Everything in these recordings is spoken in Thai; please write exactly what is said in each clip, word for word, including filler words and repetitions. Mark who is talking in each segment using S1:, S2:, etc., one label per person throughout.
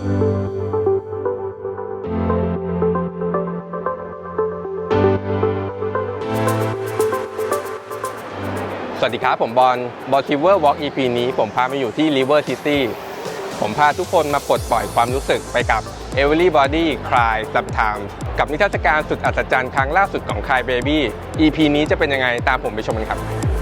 S1: สวัสดีครับผมบอลบอลทิเวอร์วอล์ก อี พี นี้ผมพามาอยู่ที่ River City ผมพาทุกคนมาปลดปล่อยความรู้สึกไปกับ Everybody Cry Sometimes กับนิทรรศการสุดอัศจรรย์ครั้งล่าสุดของ Cry Baby อี พี นี้จะเป็นยังไงตามผมไปชมกันครับ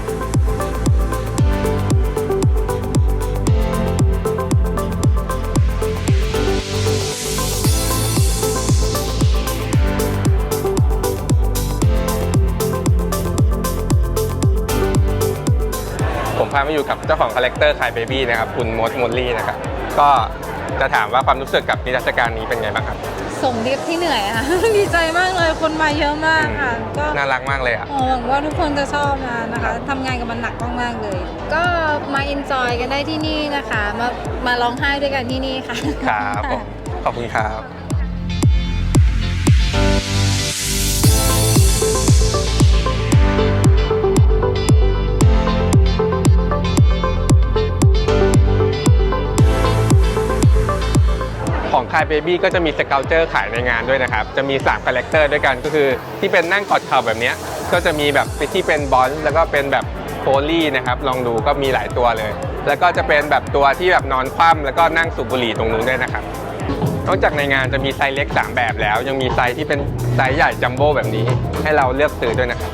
S1: ผมพามาอยู่กับเจ้าของคาแรคเตอร์ Cry Baby นะครับคุณมดมอลลี่นะครับก็จะถามว่าความรู้สึกกับนิทรรศการนี้เป็นไงบ้างครับ
S2: ส่งดิฟที่เหนื่อยค่ะ ดีใจมากเลยคนมาเยอะมากค่ะ
S1: ก็น่ารักมากเลยอ่ะ
S2: หวังว่าทุกคนจะชอบนะนะคะทำงานกับมันหนักมากๆเลยก็มาเอนจอยกันได้ที่นี่นะคะมามาร้องไห้ด้วยกันที่นี่ค่ะ
S1: ครับผมขอบคุณครับของ Cry Baby ก็จะมีสเกลเจอร์ขายในงานด้วยนะครับจะมีสามคาแรคเตอร์ด้วยกันก็คือที่เป็นนั่งกอดเข่าแบบนี้ก็จะมีแบบที่เป็นบอลแล้วก็เป็นแบบโพลี่นะครับลองดูก็มีหลายตัวเลยแล้วก็จะเป็นแบบตัวที่แบบนอนคว่ำแล้วก็นั่งสูบบุหรี่ตรงนู้นด้วยนะครับนอกจากในงานจะมีไซส์เล็กสามแบบแล้วยังมีไซส์ที่เป็นไซส์ใหญ่จัมโบ้แบบนี้ให้เราเลือกซื้อด้วยนะครับ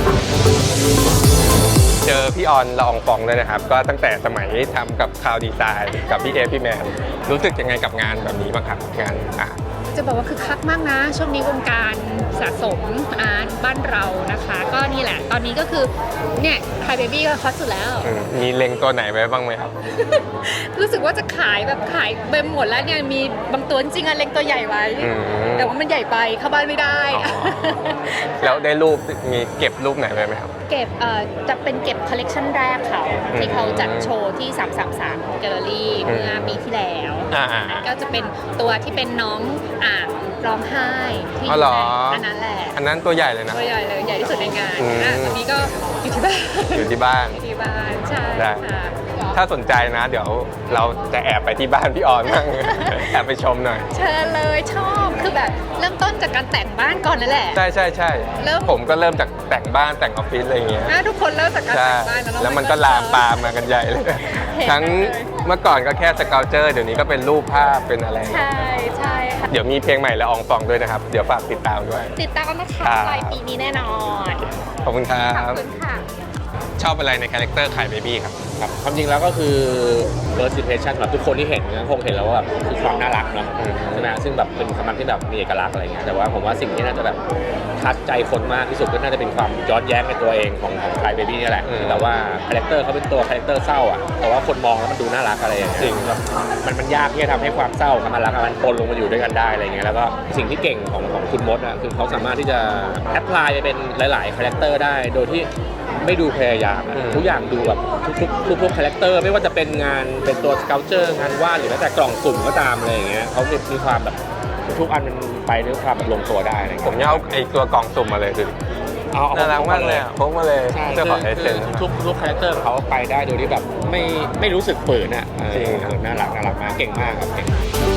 S1: เจอพี่ออนละอองฟองเลยนะครับก็ตั้งแต่สมัยทำกับคาวดีไซน์กับพี่เอพี่แมนรู้สึกยังไงกับงานแบบนี้บ้างครับงานอาร์ต
S3: จะบอกว่าคือคักมากนะช่วงนี้วงการสะสมอาร์ตบ้านเรานะคะก็นี่แหละตอนนี้ก็คือเนี่ย Cry Baby ก็ฮอตสุดแล้ว
S1: มีเล็งตัวไหนไว้บ้างไหมครับ
S3: รู้สึกว่าจะขายแบบขายไปหมดแล้วเนี่ยมีบางตัวจริงๆอะเล็งตัวใหญ่ไว้แต่ว่ามันใหญ่ไปเข้าบ้านไม่ได้
S1: แล้วได้รูปมีเก็บรูปไหนไว้ไหมครับ
S3: เก็บเอ่อจะเป็นเก็บคอลเลกชันแรกเขาที่เขาจัดโชว์ที่สามสามสามแกลเลอรี่เมื่อปีที่แล้วก็จะเป็นตัวที่เป็นน้องอ่างร้องไห้ที่อันนั้นแหละ
S1: อันนั้นตัวใหญ่เลยนะ
S3: ตัวใหญ่เลยใหญ่ที่สุดในงานอ่ะตอนนี้ก็อยู่ที่บ้าน
S1: อยู่ที่บ้าน
S3: อยู่ที่บ้านใช่ค่ะ
S1: ถ้าสนใจนะเดี๋ยวเราจะแอบไปที่บ้านพี่ออนบ้างแอบไปชมหน่อย
S3: เชิญเลยชอบคือแบบเริ่มต้นจากการแต่งบ้านก่อนนั่นแหละ
S1: ใช่ใช่ใช่ผมก็เริ่มจากแต่งบ้านแต่งออฟฟิศอะไรอย่างเงี้ย
S3: ทุกคนเริ่มจากการแต่งบ้าน
S1: แล้วมันก็ลามปามมากันใหญ่เลยทั้งเมื่อก่อนก็แค่สเกลเจอร์เดี๋ยวนี้ก็เป็นรูปภาพเป็นอะไร
S3: ใช่ใช่ค่ะ
S1: เดี๋ยวมีเพลงใหม่ละอองฟองด้วยนะครับเดี๋ยวฝากติดตามด้วย
S3: ติดตามนะคะปลายปีนี้แน่นอน
S1: ขอบคุณครับ
S3: ขอบคุณค่ะ
S1: ชอบอะไรในคาแรคเตอร์Cry Babyครับ
S4: ครับความจริงแล้วก็คือ first impression แบบทุกคนที่เห็นคงเห็นแล้วว่าแบบคือความน่ารักเนาะใช่ไหมซึ่งแบบเป็นคำนำที่แบบมีเอกลักษณ์อะไรเงี้ยแต่ว่าผมว่าสิ่งที่น่าจะแบบทัดใจคนมากที่สุดก็น่าจะเป็นความย้อนแย้งในตัวเองของของCry Babyนี่แหละแต่ว่าคาแรคเตอร์เขาเป็นตัวคาแรคเตอร์เศร้าอ่ะแต่ว่าคนมองแล้วมันดูน่ารักอะไรอย่างเงี้ยจริงมันมันยากที่จะทำให้ความเศร้ากับมันรักมันปนลงมาอยู่ด้วยกันได้อะไรเงี้ยแล้วก็สิ่งที่เก่งของของคุณมดอ่ะคือเขาสามารถที่จะแอพพลายไปเป็นหลายๆคาแรคเตอร์ได้โดยที่ไม่ดูพยายามทุกอย่างดูแบบทุกๆทุกๆคาแรคเตอร์ไม่ว่าจะเป็นงานเป็นตัวสเกลเจอร์งานวาดหรือแม้แต่กล่องสุ่มก็ตามอะไรอย่างเงี้ยเขามีความแบบทุกอันมันไปด้วยความแบบลงตัวได้
S1: ผมเนี่ยเอาไอ้ตัวกล่องสุ่มมาเลยคือน่ารักมากเลยพกมาเลย
S4: เจ้าของไอเซนทุกทุกคาแรคเตอร์เขาไปได้โดยที่แบบไม่ไม่รู้สึกฝืนอ่ะจริงน่ารักน่ารักมากเก่งมากครับเก่ง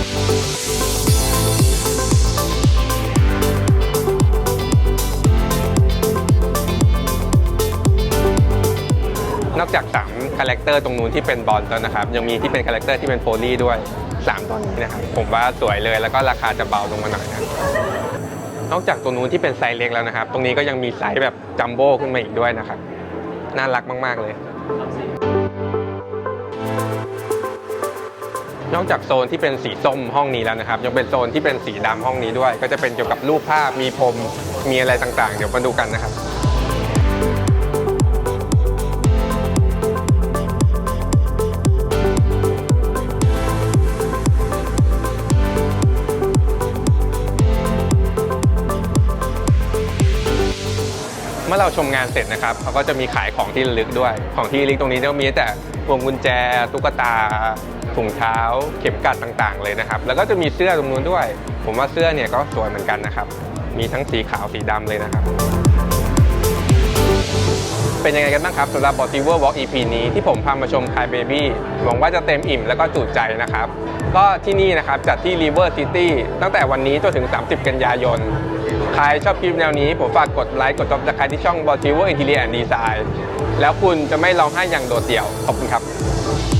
S1: นอกจากสามคาแรคเตอร์ตรงนู้นที่เป็นบอลแล้วนะครับยังมีที่เป็นคาแรคเตอร์ที่เป็นโพลี่ด้วยสามตัวนี้นะครับผมว่าสวยเลยแล้วก็ราคาจะเบาลงมาหน่อยนะนอกจากตัวนู้นที่เป็นไซส์เล็กแล้วนะครับตรงนี้ก็ยังมีไซส์แบบจัมโบ้ขึ้นมาอีกด้วยนะครับน่ารักมากๆเลยนอกจากโซนที่เป็นสีส้มห้องนี้แล้วนะครับยังเป็นโซนที่เป็นสีดำห้องนี้ด้วยก็จะเป็นเกี่ยวกับรูปภาพมีพรมมีอะไรต่างๆเดี๋ยวมาดูกันนะครับเมื่อเราชมงานเสร็จนะครับเขาก็จะมีขายของที่ระลึกด้วยของที่ระลึกตรงนี้จะมีแต่พวงกุญแจตุ๊กตาถุงเท้าเข็มกลัดต่างๆเลยนะครับแล้วก็จะมีเสื้อตรงนู้นด้วยผมว่าเสื้อเนี่ยก็สวยเหมือนกันนะครับมีทั้งสีขาวสีดำเลยนะครับเป็นยังไงกันบ้างครับสำหรับ b o t i v e r Walk อี พี นี้ที่ผมพามาชม Cry Baby หวังว่าจะเต็มอิ่มแล้วก็จุใจนะครับก็ที่นี่นะครับจัดที่ River City ตั้งแต่วันนี้จนถึงสามสิบกันยายนใครชอบคลิปแนวนี้ผมฝากกดไลค์กด Subscribe ที่ช่อง b o t i v e r Interior and Design แล้วคุณจะไม่ร้องไห้อย่างโดดเดี่ยวขอบคุณครับ